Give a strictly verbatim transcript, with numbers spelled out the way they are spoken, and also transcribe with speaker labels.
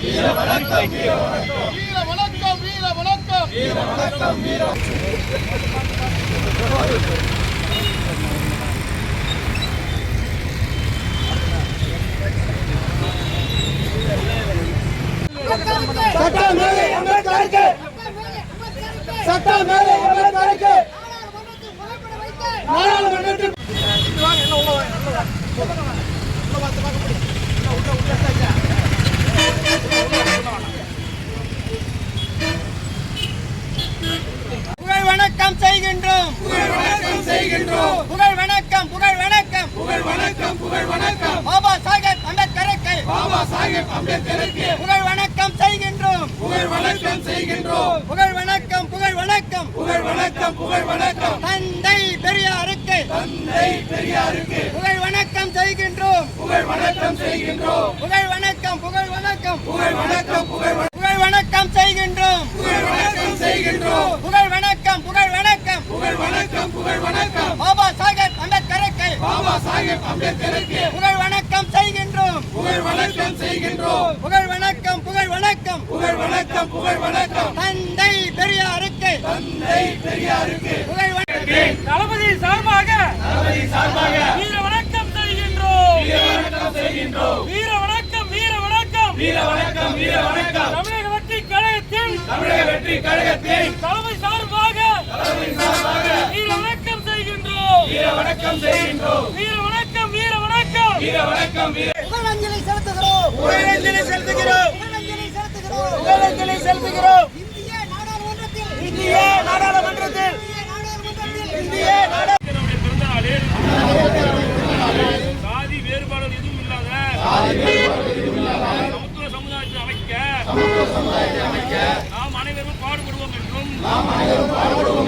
Speaker 1: வீர வணக்கம் வீர வணக்கம் வீர வணக்கம் வீர வணக்கம் வீர வணக்கம் வீர சட்டம் மேலே அம்பேத்கருக்கு சட்டம் மேலே அம்பேத்கருக்கு நாடாளுமன்றத்தில் புகழ் வணக்கம் செய்கின்றோம் புகழ் வணக்கம் செய்கின்றோம் புகழ் வணக்கம் புகழ் வணக்கம் புகழ் வணக்கம் புகழ் வணக்கம் பாபா சாஹேப் அம்பேத்கருக்கு பாபா சாஹேப் அம்பேத்கருக்கு புகழ் வணக்கம் செய்கின்றோம் புகழ் வணக்கம் செய்கின்றோம் புகழ் வணக்கம் புகழ் வணக்கம் புகழ் வணக்கம் புகழ் வணக்கம் தந்தை பெரியாருக்கு தந்தை பெரியாருக்கு புகழ் வணக்கம் செய்கின்றோம் புகழ் வணக்கம் செய்கின்றோம் புகழ் வணக்கம் புகழ் வணக்கம் புகழ் வணக்கம் புகழ் புகழ் வணக்கம் செய்கின்றோம் புகழ் வணக்கம் செய்கின்றோம் புகழ் வணக்கம் புகழ் வணக்கம் புகழ் வணக்கம் புகழ் வணக்கம் பாபா சாஹேப் அம்பேத்கருக்கு பாபா சாஹேப் அம்பேத்கருக்கு புகழ் வணக்கம் செய்கின்றோம் புகழ் வணக்கம் செய்கின்றோம் புகழ் வணக்கம் புகழ் வணக்கம் புகழ் வணக்கம் புகழ் வணக்கம் தந்தை பெரியாருக்கு தந்தை பெரியாருக்கு புகழ் வணக்கம் தளபதி சார்பாக தளபதி சார்பாக வீர வணக்கம் செய்கின்றோம் வீர வணக்கம் செய்கின்றோம் வீர வணக்கம் வீர வணக்கம் வீர வணக்கம் வீர வணக்கம் தமிழக வெற்றி கழகத்தின் தமிழக வெற்றி கழகத்தின் தளபதி சார்பாக தளபதி சார்பாக வீர வணக்கம் செய்கின்றோம் வீர வணக்கம் செய்கின்றோம் வீர வணக்கம் வீர வணக்கம் வீர வணக்கம் வீர புகழஞ்சலி செலுத்துகிறோம் புகழஞ்சலி செலுத்துகிறோம் புகழஞ்சலி செலுத்துகிறோம் புகழஞ்சலி செலுத்துகிறோம் இந்திய நாடாளுமன்றத்தில் இந்திய நாடாளுமன்றத்தில் இந்திய நாடாளுமன்றத்தில் பிறந்த நாளில் சாதி வேறுபாடுகள் எதுவும் இல்லாத சமத்துவ சமுதாயத்தை அமைக்க நாம் அனைவரும் பாடுபடுவோம் என்றும் நாம் அனைவரும் பாடுபடுவோம்